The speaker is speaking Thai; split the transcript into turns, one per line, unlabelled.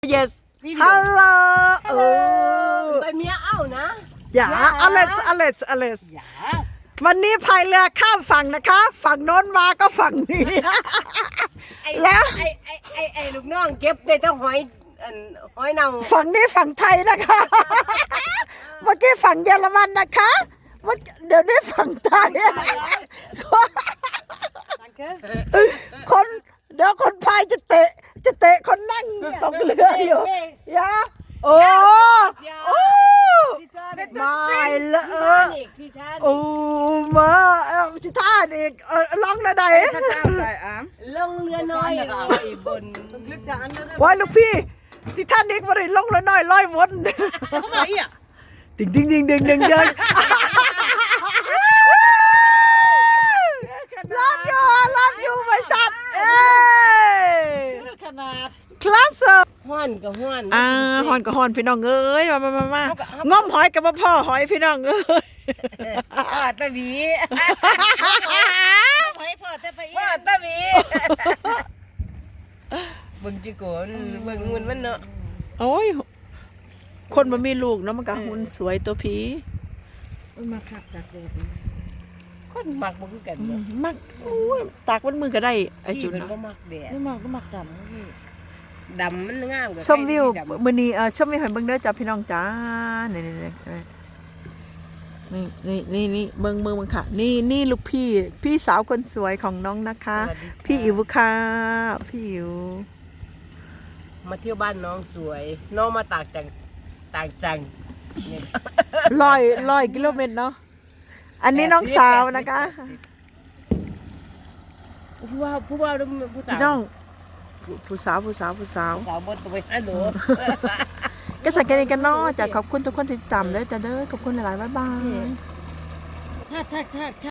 yes hello
ไปเมียเอ้านะ
อย่าอเล็กวันนี้พายเรือข้ามฝั่งนะคะฝั่งโน้นมาก็ฝั่งนี้แล้ว
ไอ้ลูกน้องเก็บได้ต้องหอยเน่า
ฝั่งนี้ฝั่งไทยนะคะเมื่อกี้ฝั่งเยอรมันนะคะเดี๋ยวนี้ฝั่งไทยคนเดี๋ยวคนพายจะเตะคนนั่งตกเรืออยู่ยาโอ้ไม่ละโอ้มาที่ท่าอีกลองนะใด
ลงเรือน้อยบน
ว้าลูกพี่ที่ท่านอีกมาเลยลงเรือน้อยลอยวน
ทำไมอ่ะ
ดิ่งรับอยู่ไม่ชัด
ขนาด
คลาส
ห้อนกับห้อน
ห้อนกับห้อนพี่น้องเอ้ยมาง้อมหอยกับพ่อหอยพี่น้องเอ้ย
ตะบีหอยพ่อตะไปพ่อตะบีเบิ่งจิโกนเบิ่งหุ่นมันเนาะ
โอ้ยคนมันมีลูกเนาะมันก็หุ่นสวยตัวผี
มาขับจากแดดคนมักบ่คือกัน
มักโอ้ยตากมันมือก็ได้ไอ้จุน
ก็มักแดดไม่มักก็มักดำมันงามกว่า
ชมวิวมื้อนี้ชมวิวให้เบิ่งเด้อจ้าพี่น้องจ้านี่เบิ่งค่ะนี่ลูกพี่สาวคนสวยของน้องนะคะพี่อิ๋วค่ะพี่อิ๋ว
มาเที่ยวบ้านน้องสวยน้องมาต่างจัง
ร้อยกิโลเมตรเนาะอันนี้น้องสาวนะคะ
ผู้ว่าผู้สาว
น้องผู้สาว
สาวบนตัวฮัลโหล
ก็สังเกตกันเนาะจะขอบคุณทุกคนที่ติดตามเด้อจ้าเด้อขอบคุณหลายๆบ๊ายบาย
ถ้า